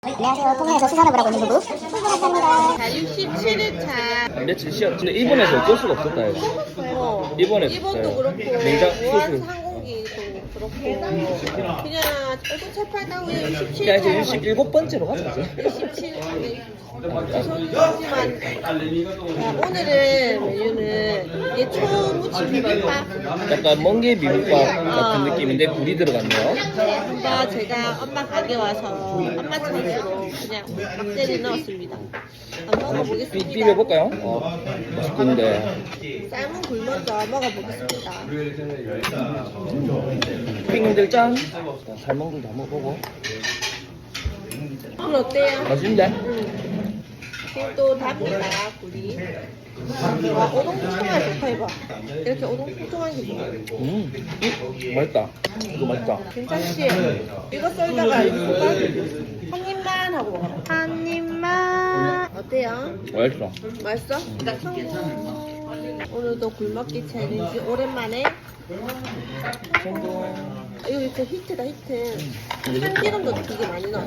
안녕하세요. 통영에서 수산업을 하고 있는 부부 출근했답니다. 자, 67일차. 며칠 쉬었. 근데 일본에서 어쩔 수가 없었다 해서. 일본에서 일본도 그렇고, 냉장 무한 수술. 항공기도 그렇고, 그냥 얼굴 채팔다고 67일. 야 이제 67번째로 가자 이제. 67일. 죄송하지만 오늘은 메뉴는 이게 초무침 비빔밥. 약간 멍게 비빔밥 같은 느낌인데 굴이 들어갔네요. 네, 한번 제가 엄마 가게 와서 엄마 찬스로 그냥 막대를 넣었습니다. 한번 먹어보겠습니다. 비벼볼까요? 맛있던데. 삶은 굴 먼저 먹어보겠습니다. 핑들 짠. 삶은 굴도 한번 먹어보고. 굴 어때요? 맛있는데? 또 답니다, 굴이. 와, 오동통통하게 좋다, 이거. 이렇게 오동통통한 게 좋아. 맛있다. 이거 맛있다. 괜찮지? 이거 썰다가 이거 한 입만 하고 먹어라. 한 입만. 어때요? 맛있어. 맛있어? 성공. 오늘도 굴먹기 챌린지 오랜만에. 성공. 이거 진짜 히트다, 히트. 참기름도 되게 많이 넣어.